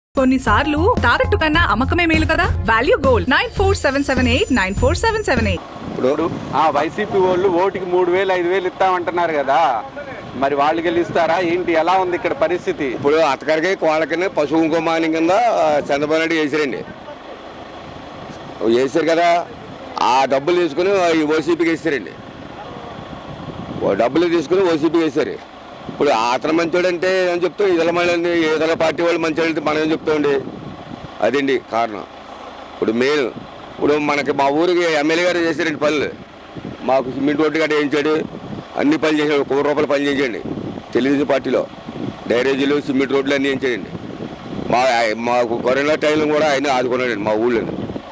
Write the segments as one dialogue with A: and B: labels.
A: కొన్నిసార్లు తాకట్టు కన్నా అమ్మకమే మేలు కదా. Value gold 9477894778.
B: ఇప్పుడు వైసీపీ వాళ్ళు ఓటుకి 3,000 5,000 ఇస్తామంటున్నారు కదా, మరి వాళ్ళు గెలుస్తారా ఏంటి? ఎలా ఉంది ఇక్కడ పరిస్థితి?
C: ఇప్పుడు అత్తగారికి కోళ్ళ పశువు ఇంకోమానం కింద చంద్రబాబు నాయుడు వేసారు కదా, ఆ డబ్బులు తీసుకుని ఓసీపీకి వేసారండి. డబ్బులు తీసుకుని ఓసీపీకి వేసారు. ఇప్పుడు అతను మంచోడు అంటే అని చెప్తాం, ఇతర పార్టీ వాళ్ళు మంచోడు అంటే మనం ఏం చెప్తామండి. అదండి కారణం. ఇప్పుడు మెయిన్ ఇప్పుడు మనకి మా ఊరికి ఎమ్మెల్యే గారు చేశారండి పనులు. మాకు సిమెంట్ రోడ్డు గట్ట వేయించాడు, అన్ని పనులు చేశాడు. ₹1,00,000 పని చేయించండి. తెలుగుదేశం పార్టీలో డ్రైనేజీలు సిమెంట్ రోడ్లు అన్నీ వేయించాడండి. మాకు కరోనా టైంలో కూడా ఆయన ఆదుకున్నాడండి మా ఊళ్ళో.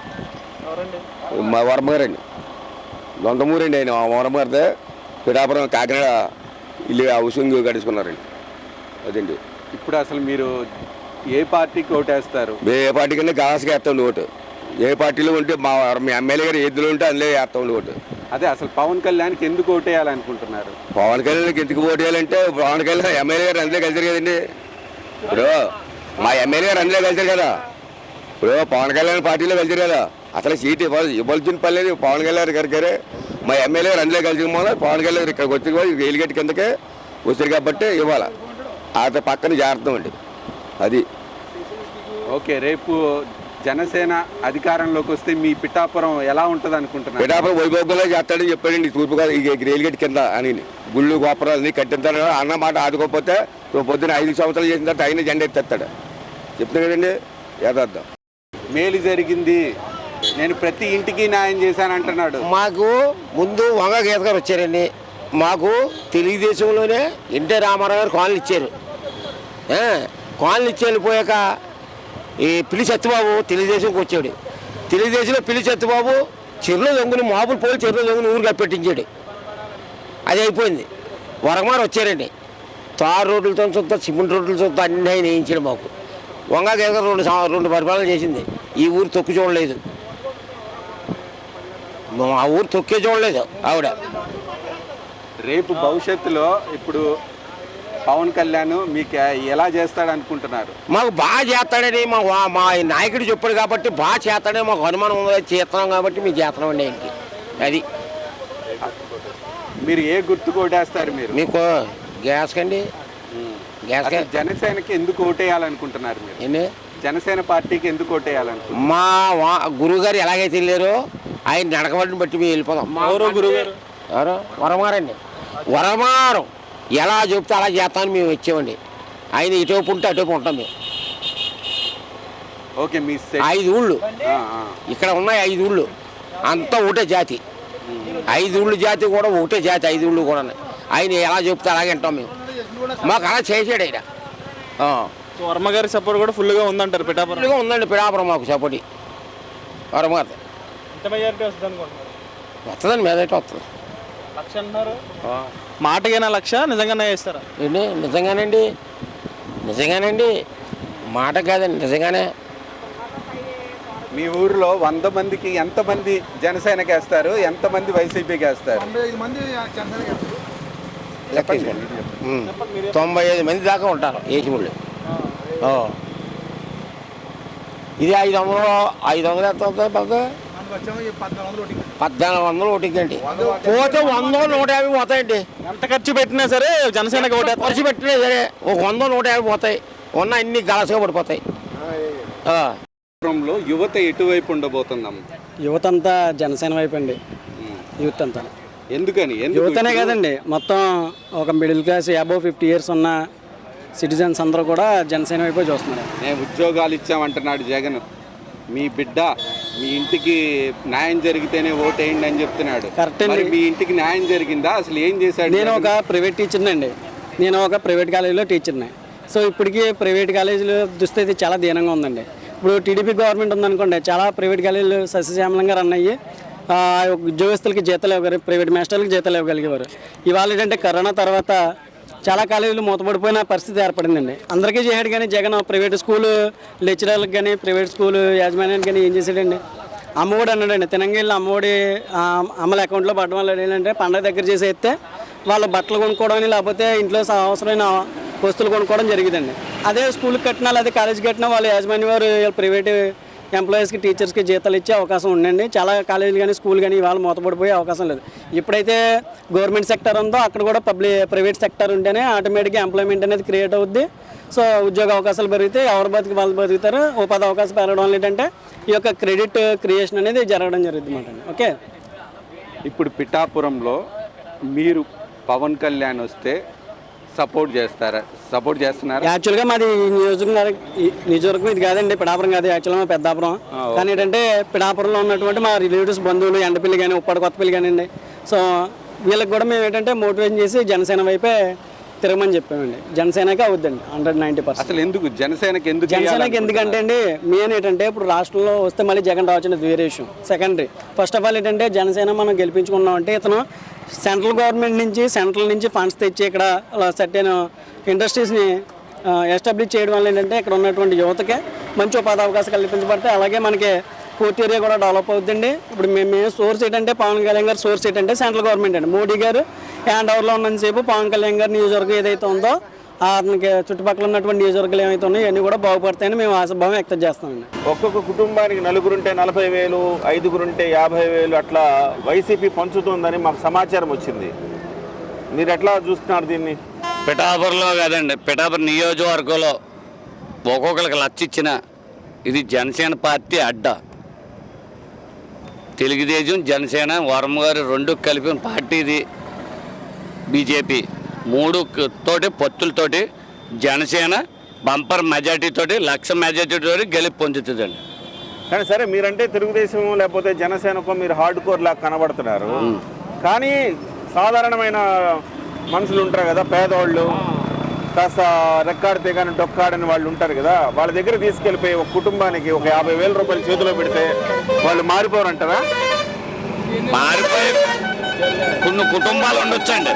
C: మా వరమగారండి, దొంతమూరండి ఆయన. మా వరమగారితే పిఠాపురం కాకినాడ ఇల్లు హౌసింగ్ కట్టించుకున్నారండి. అదండి.
B: ఇప్పుడు అసలు మీరు ఏ పార్టీకి ఓటేస్తారు?
C: ఏ పార్టీకన్నా గాసుగా వేస్తాండి ఓటు. ఏ పార్టీలో ఉంటే మా ఎమ్మెల్యే గారు ఎద్దులు ఉంటే అందులో వేస్తాండి ఓటు.
B: అదే అసలు పవన్ కళ్యాణ్కి ఎందుకు ఓటేయాలనుకుంటున్నారు?
C: పవన్ కళ్యాణ్కి ఎందుకు ఓటు వేయాలంటే పవన్ కళ్యాణ్ ఎమ్మెల్యే గారు అందులో కలిసారు కదండి. ఇప్పుడు మా ఎమ్మెల్యే గారు అందులో కలిసారు కదా. ఇప్పుడు పవన్ కళ్యాణ్ పార్టీలో కలిసారు కదా, అసలు సీట్ ఇవ్వాల్సిన పని లేదు. పవన్ కళ్యాణ్ గారు మా ఎమ్మెల్యే గారు అందులో కలిసి పవన్ కళ్యాణ్ గారు ఇక్కడికి వచ్చి రైలు గట్టి కిందకే వచ్చారు కాబట్టి ఇవ్వాలి. అతని పక్కన జాగ్రత్త అండి. అది
B: ఓకే. రేపు జనసేన అధికారంలోకి వస్తే మీ పిఠాపురం ఎలా ఉంటుంది అనుకుంటున్నారు?
C: పిఠాపురం వైభోగంలో చేస్తాడని చెప్పాడండి. తూర్పుగా ఈ రైలు గట్టి కింద అని గుళ్ళు గోపురాలు అన్నీ కట్టించాడు అన్న మాట. ఆదుకోకపోతే పొద్దున్న 5 సంవత్సరాలు చేసిన తర్వాత ఆయన జెండా ఎత్తేస్తాడు. చెప్తున్నా కదండి, యథార్థం.
B: మేలు జరిగింది, నేను ప్రతి ఇంటికి న్యాయం చేశాను అంటున్నాడు.
D: మాకు ముందు వంగ గీత గారు వచ్చారండి. మాకు తెలుగుదేశంలోనే ఎన్టీ రామారావు గారు కాలనీ ఇచ్చారు. కాలనీ ఇచ్చి వెళ్ళిపోయాక ఈ పిల్లి సత్యబాబు తెలుగుదేశంకి వచ్చాడు. తెలుగుదేశంలో పిల్లి సత్యబాబు చెరువులో దొంగని మామూలు పోయి చెరువులో దొంగని ఊరు కప్పెట్టించాడు. అది అయిపోయింది. వరకుమారు వచ్చారండి. తారు రోడ్లతో చూస్తా, సిమెంట్ రోడ్లతో చూస్తా అన్నీ ఆయన వేయించాడు. మాకు వంగ గీత గారు 2 పరిపాలన చేసింది. ఈ ఊరు తొక్కు చూడలేదు, మా ఊరు తొక్కే చూడలేదు ఆవిడ.
B: రేపు భవిష్యత్తులో ఇప్పుడు పవన్ కళ్యాణ్ మీకు ఎలా చేస్తాడు అనుకుంటున్నారు?
D: మాకు బాగా చేస్తాడని మా నాయకుడు చెప్పాడు కాబట్టి బాగా చేస్తాడని మాకు అనుమానం ఉంది. చేస్తున్నాం కాబట్టి మీకు చేస్తున్నాం అండి ఆయనకి. అది
B: మీరు ఏ గుర్తు కొట్టేస్తారు? మీరు
D: మీకు గ్యాస్ కండి. గ్యాస్
B: జనసేనకి ఎందుకు ఓటేయాలనుకుంటున్నారు మీరు?
D: ఏంటి
B: జనసేన పార్టీకి ఎందుకు ఓటేయాలనుకుంటున్నారు?
D: మా గురువు గారు ఎలాగైతే వెళ్ళారో ఆయన నడకబడిని బట్టి మేము వెళ్ళిపోదాం.
B: గురుగారు
D: ఎవరు? వరమారండి. వరమారం ఎలా చెప్తే అలా చేస్తామని మేము వచ్చామండి. ఆయన ఇటువైపు ఉంటే అటువైపు ఉంటాం మేము.
B: ఓకే. మీ
D: 5 ఊళ్ళు ఇక్కడ ఉన్నాయి. 5 ఊళ్ళు అంతా ఒకటే జాతి. 5 ఊళ్ళు జాతి కూడా ఒకటే జాతి. 5 ఊళ్ళు కూడా ఆయన ఎలా చెప్తే అలాగే వింటాం మేము. మాకు అలా చేసాడు ఆయన.
E: వర్మ గారి సపోర్ట్ కూడా ఫుల్గా ఉందంటారు పిఠాపురం?
D: ఫుల్గా ఉందండి పిఠాపురం మాకు సపోర్ట్. వరమారు వస్తుందండి, మీదైతే వస్తుంది.
E: లక్ష అంటున్నారు. మాటకైనా లక్ష, నిజంగానే ఇస్తారా?
D: ఏంటి నిజంగానండి, మాట కాదండి, నిజంగానే.
B: మీ ఊరిలో 100 మందికి ఎంతమంది జనసేనకి వేస్తారు, ఎంతమంది వైసీపీకి వేస్తారు?
D: 95 మంది దాకా ఉంటారు ఏజీముళ్ళు. ఇది 500 ఎంత 1400 ఓటింగ్ అండి. పోతే 100 150 పోతాయండి.
E: ఎంత ఖర్చు పెట్టినా సరే జనసేనకి ఓటే.
D: ఖర్చు పెట్టినా సరే ఒక 100 150 పోతాయి. ఉన్న అన్ని గలసగా పడిపోతాయి.
B: యువత ఎటువైపు ఉండబోతుందమ్మ?
F: యువత అంతా జనసేన వైపు అండి. యూత్ అంతా
B: ఎందుకని?
F: యువతనే కదండి, మొత్తం ఒక మిడిల్ క్లాస్ అబోవ్ 50 years ఉన్న సిటిజన్స్ అందరూ కూడా జనసేన వైపు చూస్తున్నారు.
B: నేను ఉద్యోగాలు ఇచ్చామంటున్నాడు జగన్. మీ బిడ్డ మీ ఇంటికి న్యాయం జరిగితేనే ఓటేయండి అని చెప్తున్నాడు.
F: కరెక్ట్ అండి.
B: మీ ఇంటికి న్యాయం జరిగిందా? అసలు ఏం చేశాడు?
F: నేను ఒక ప్రైవేట్ టీచర్ని అండి. నేను ఒక ప్రైవేట్ కాలేజీలో టీచర్ని. సో ఇప్పటికీ ప్రైవేట్ కాలేజీలో దుస్థితి చాలా దీనంగా ఉందండి. ఇప్పుడు టీడీపీ గవర్నమెంట్ ఉందనుకోండి, చాలా ప్రైవేట్ కాలేజీలు సస్యశ్యామలంగా రన్ అయ్యి ఉద్యోగస్తులకి జీతాలు ఇవ్వగలిగారు, ప్రైవేట్ మాస్టర్లకు జీతాలు ఇవ్వగలిగేవారు. ఇవాళ ఏంటంటే కరోనా తర్వాత చాలా కాలేజీలు మూతపడిపోయిన పరిస్థితి ఏర్పడిందండి. అందరికీ చేయడు కానీ జగన్ ప్రైవేట్ స్కూలు లెక్చరర్లకు కానీ ప్రైవేట్ స్కూలు యాజమాన్యానికి కానీ ఏం చేశాడండి, అమ్మఒడి అన్నాడండి. తినంగిళ్ళు అమ్మఒడి అమ్మల అకౌంట్లో పడడం వల్ల ఏంటంటే పండగ దగ్గర చేసేస్తే వాళ్ళు బట్టలు కొనుక్కోవడం లేకపోతే ఇంట్లో అవసరమైన వస్తువులు కొనుక్కోవడం జరిగిందండి. అదే స్కూల్కి కట్టినా లేదా కాలేజీకి కట్టినా వాళ్ళ యాజమాన్య వారు ప్రైవేట్ ఎంప్లాయీస్కి టీచర్స్కి జీతాలు ఇచ్చే అవకాశం ఉండండి. చాలా కాలేజీలు కానీ స్కూల్ కానీ ఇవాళ మూతపడిపోయే అవకాశం లేదు. ఎప్పుడైతే గవర్నమెంట్ సెక్టర్ ఉందో అక్కడ కూడా ప్రైవేట్ సెక్టర్ ఉంటేనే ఆటోమేటిక్గా ఎంప్లాయ్మెంట్ అనేది క్రియేట్ అవుద్ది. సో ఉద్యోగ అవకాశాలు పెరిగితే ఎవరు బతికి వాళ్ళు బతుకుతారు. ఉపాధి అవకాశం పెరగడం వల్ల ఏంటంటే ఈ యొక్క క్రెడిట్ క్రియేషన్ అనేది జరగడం జరుగుతుంది అన్నమాట. ఓకే,
B: ఇప్పుడు పిఠాపురంలో మీరు పవన్ కళ్యాణ్ వస్తే సపోర్ట్ చేస్తున్నారా?
F: యాక్చువల్గా మాది నియోజకవర్గం ఇది కాదండి, పిఠాపురం కాదు, యాక్చువల్గా మా పెద్దాపురం. కానీ ఏంటంటే పిఠాపురంలో ఉన్నటువంటి మా రిలేటివ్స్ బంధువులు ఎండపల్లి కానీ ఉప్పాడు కొత్తపల్లి కానివ్వండి. సో వీళ్ళకి కూడా మేము ఏంటంటే మోటివేషన్ చేసి జనసేన వైపే తిరగమని చెప్పామండి. జనసేనకే అవుద్దండి 190%.
B: అసలు ఎందుకు జనసేనకి
F: ఎందుకంటే అండి మెయిన్ ఏంటంటే ఇప్పుడు రాష్ట్రంలో వస్తే మళ్ళీ జగన్ రావచ్చు వేరే విషయం, సెకండరీ. ఫస్ట్ ఆఫ్ ఆల్ ఏంటంటే జనసేన మనం గెలిపించుకున్నాం అంటే ఇతను సెంట్రల్ గవర్నమెంట్ నుంచి ఫండ్స్ తెచ్చి ఇక్కడ సర్టెన్ ఇండస్ట్రీస్ని ఎస్టాబ్లిష్ చేయడం వల్ల ఏంటంటే ఇక్కడ ఉన్నటువంటి యువతకే మంచి ఉపాధి అవకాశాలు కల్పించబడతాయి. అలాగే మనకి పోర్ట్ ఏరియా కూడా డెవలప్ అవుతుంది. ఇప్పుడు మేము సోర్స్ ఏంటంటే పవన్ కళ్యాణ్ గారు సోర్స్ ఏంటంటే సెంట్రల్ గవర్నమెంట్ అండి. మోడీ గారు హ్యాండ్ ఓవర్లో ఉన్నంతసేపు పవన్ కళ్యాణ్ గారి నియోజకవర్గం ఏదైతే ఉందో అతనికి చుట్టుపక్కల ఉన్నటువంటి నియోజకవర్గాలు ఏమైతే ఉన్నాయో ఇవన్నీ కూడా బాగుపడతాయని మేము ఆశాభావం వ్యక్తం చేస్తామండి.
E: ఒక్కొక్క కుటుంబానికి నలుగురుంటే 40,000, 5గురుంటే 50,000 అట్లా వైసీపీ పంచుతుందని మాకు సమాచారం వచ్చింది. మీరు ఎట్లా చూస్తున్నారు దీన్ని?
G: పిఠాపురంలో కాదండి, పిఠాపురం నియోజకవర్గంలో ఒక్కొక్కరికి 1,00,000 ఇచ్చిన ఇది జనసేన పార్టీ అడ్డ. తెలుగుదేశం జనసేన వరమ గారు 2 కలిపిన పార్టీ ఇది. బీజేపీ 3 తోటి పొత్తులతోటి జనసేన బంపర్ మెజార్టీ తోటి 1,00,000 మెజార్టీ తోటి గెలుపు పొందుతుందండి.
E: కానీ సరే మీరంటే తెలుగుదేశం లేకపోతే జనసేనకో మీరు హార్డ్ కోర్ లాగా కనబడుతున్నారు. కానీ సాధారణమైన మనుషులు ఉంటారు కదా, పేదవాళ్ళు, కాస్త రెక్కాడితే కానీ డొక్కాడని వాళ్ళు ఉంటారు కదా, వాళ్ళ దగ్గర తీసుకెళ్ళిపోయి ఒక కుటుంబానికి ఒక 50,000 రూపాయలు చేతిలో పెడితే వాళ్ళు మారిపోరంటారా?
G: మారిపోయే కొన్ని కుటుంబాలు ఉండొచ్చండి,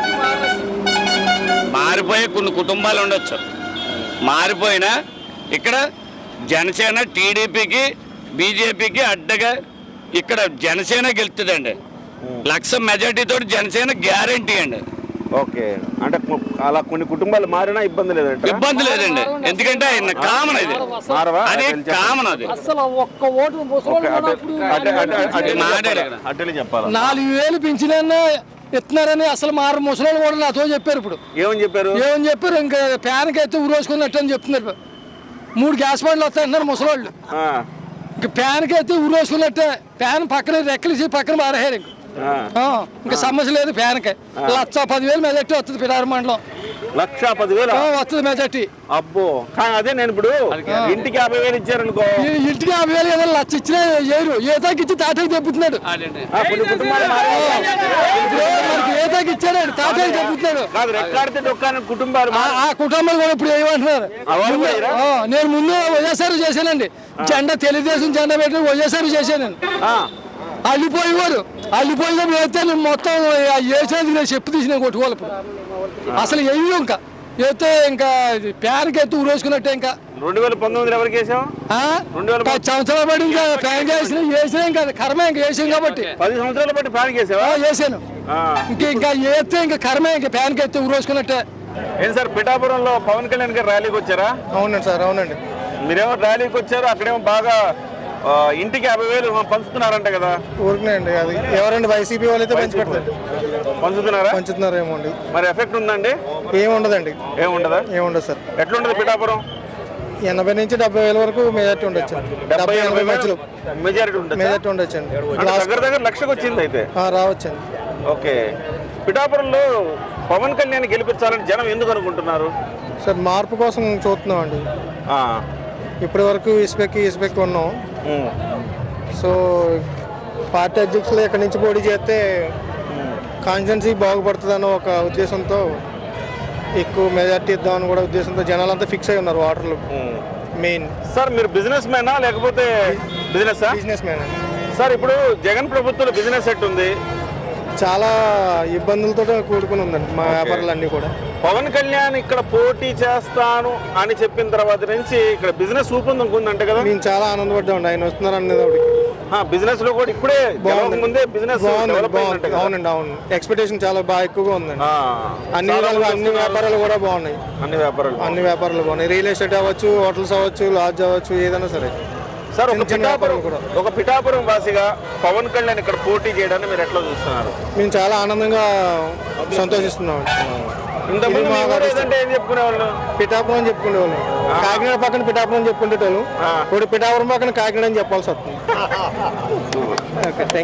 G: మారిపోయినా ఇక్కడ జనసేన టీడీపీకి బీజేపీకి అడ్డగా ఇక్కడ జనసేన గెలుతుందండి. 1,00,000 మెజార్టీ తోటి జనసేన గ్యారంటీ అండి.
E: ఓకే, అంటే అలా కొన్ని కుటుంబాలు మారినా ఇబ్బంది లేదండి?
G: ఇబ్బంది లేదండి, ఎందుకంటే ఆయన కామన్ అది, అది కామన్ అది.
H: అసలు ఒక్క ఓటు
E: అట్టలే చెప్పాలి.
H: 4,000 పింఛన్ ఇస్తున్నారని అసలు మారు ముసలి కూడా నాతో చెప్పారు. ఇప్పుడు ఏమని చెప్పారు? ఇంకా ఫ్యాన్కి అయితే ఊరేసుకున్నట్టు అని చెప్తున్నారు. 3 గ్యాస్ బండ్లు వస్తాయంటున్నారు ముసలోళ్ళు. ఇంకా ఫ్యాన్కి అయితే ఊరేసుకున్నట్టే. ఫ్యాన్ పక్కన రెక్కలేసి పక్కన మారేహారు. ఇంకా సమస్య లేదు. ఫ్యాన్కి 1,10,000 మెజార్టీ వస్తుంది. పిఠాపురం మండలం
E: 1,10,000
H: వస్తుంది మెజార్టీ.
E: అబ్బో, కానీ అదే నేను ఇప్పుడు ఇంటికి 50,000 ఇచ్చారనుకో,
H: ఇంటికి 50,000 ఏదో 1,00,000 ఇచ్చినా ఏరు ఏతాకి ఇచ్చి తాటకి తెప్పుతున్నాడు.
E: కొన్ని కుటుంబాలు
H: మనకి ఏతాకి ఇచ్చాడు తాటకి తెప్పుతున్నాడు.
E: రెక్కాడితే డొక్కాని కుటుంబాలు
H: ఆ కుటుంబాలు కూడా ఇప్పుడు ఏమంటున్నారు? నేను ముందు వైఎస్ఆర్ చేశానండి. జెండా తెలుగుదేశం జెండా పెట్టి వైఎస్ఆర్ చేశాను. అల్లిపోయేవారు అల్లిపోయినప్పుడు వేస్తే నేను మొత్తం వేసేందుకు నేను చెప్పు తీసిన కొట్టుకోవాలి. ఇప్పుడు అసలు వెయ్యి ఇంకా వేస్తే ఇంకా ఫ్యాన్కి ఎత్తి ఊరేసుకున్నట్టే. ఇంకా
E: 2019 ఎవరికి వేసాం?
H: 10 సంవత్సరాలు బట్టి ఇంకా ఫ్యాన్ వేసినా ఇంకా కర్మే ఇంకా వేసాం కాబట్టి
E: 10 సంవత్సరాలు బట్టి ఫ్యాన్ వేసావా?
H: వేసాను. ఇంకా వేస్తే ఇంకా కర్మే ఇంకా ఫ్యాన్కి ఎత్తి ఊరేసుకున్నట్టే.
E: ఏం సార్, పిఠాపురంలో పవన్ కళ్యాణ్ గారు ర్యాలీకి వచ్చారా?
H: అవునండి సార్, అవునండి.
E: మీరేమో ర్యాలీకి వచ్చారు, అక్కడేమో బాగా ఇంటికి 50,000 పంచుతున్నారంట కదా?
H: ఊరికేనండి, అది ఎవరండి వైసీపీ వాళ్ళైతే
E: పంచుతున్నారేమో అండి. మరి ఎఫెక్ట్ ఉందండి?
H: ఏముండదండి.
E: ఏముండదు సార్. ఎట్లుండదు పిఠాపురం?
H: 80,000 నుంచి 70,000 వరకు మెజార్టీ ఉండొచ్చు. 70-80 మధ్యలో
E: మెజారిటీ ఉండొచ్చు అండి. దగ్గర 1,00,000 వచ్చింది అయితే
H: రావచ్చండి.
E: ఓకే, పిఠాపురంలో పవన్ కళ్యాణ్ గెలిపించాలని జనం ఎందుకు అనుకుంటున్నారు
H: సార్? మార్పు కోసం చూస్తున్నాం అండి. ఇప్పటి వరకు ఇసుపెక్కి ఉన్నాం. సో పార్టీ అధ్యక్షులు ఇక్కడి నుంచి పోటీ చేస్తే కాన్స్టిట్యున్సీ బాగుపడుతుందన్న ఒక ఉద్దేశంతో ఎక్కువ మెజార్టీ ఇద్దామని కూడా ఉద్దేశంతో జనాలంతా ఫిక్స్ అయి ఉన్నారు ఓటర్లు. మెయిన్
E: సార్, మీరు బిజినెస్ మ్యానా లేకపోతే బిజినెస్ మ్యాన్ సార్? ఇప్పుడు జగన్ ప్రభుత్వంలో బిజినెస్ సెట్ ఉంది,
H: చాలా ఇబ్బందులతో కూడుకుని ఉందండి మా వ్యాపారాలన్నీ కూడా.
E: పవన్ కళ్యాణ్ ఇక్కడ పోటీ చేస్తాను అని చెప్పిన తర్వాత నుంచి ఇక్కడ బిజినెస్ ఊపందుకుందంటే కదా?
H: మేము చాలా ఆనందపడ్డామండి ఆయన వస్తున్నారు అనేటప్పటికి.
E: బిజినెస్ లో కూడా ఇప్పుడే
I: బాగుంది.
E: ముందే బిజినెస్ డెవలప్ అయినట్టు కదా?
I: అవునండి అవును ఎక్స్పెక్టేషన్ చాలా బాగా ఎక్కువగా ఉందండి.
E: ఆ,
I: అన్ని
E: చాలా
I: విధాలుగా
E: మంది
I: అన్ని
E: వస్తున్నారు.
I: వ్యాపారాలు కూడా బాగున్నాయి.
E: అన్ని వ్యాపారాలు
I: అన్ని వ్యాపారాలు బాగున్నాయి. రియల్ ఎస్టేట్ అవ్వచ్చు, హోటల్స్ అవ్వచ్చు, లాడ్జ్ అవ్వచ్చు, ఏదైనా సరే.
E: సార్ ఒక
I: చిన్న చిన్న
E: పిఠాపురం
I: వ్యాపారాలు కూడా.
E: ఒక పిఠాపురం వాసిగా పవన్ కళ్యాణ్ ఇక్కడ పోటీ చేయడాన్ని మీరు ఎట్లా చూస్తున్నారు?
I: మేము చాలా ఆనందంగా సంతోషిస్తున్నాం.
E: ఇంతకుముందు
I: ఇది
E: మీ
I: మా
E: ఊరు ఏదంటే ఏం చెప్పుకునేవాళ్ళు?
I: పిఠాపురం అని చెప్పుకునేవాళ్ళం. కాకినాడ పక్కన పిఠాపురం అని చెప్పుకునేటోళ్ళు. ఇప్పుడు పిఠాపురం పక్కన కాకినాడ అని చెప్పాల్సి వస్తుంది. Okay, thank you.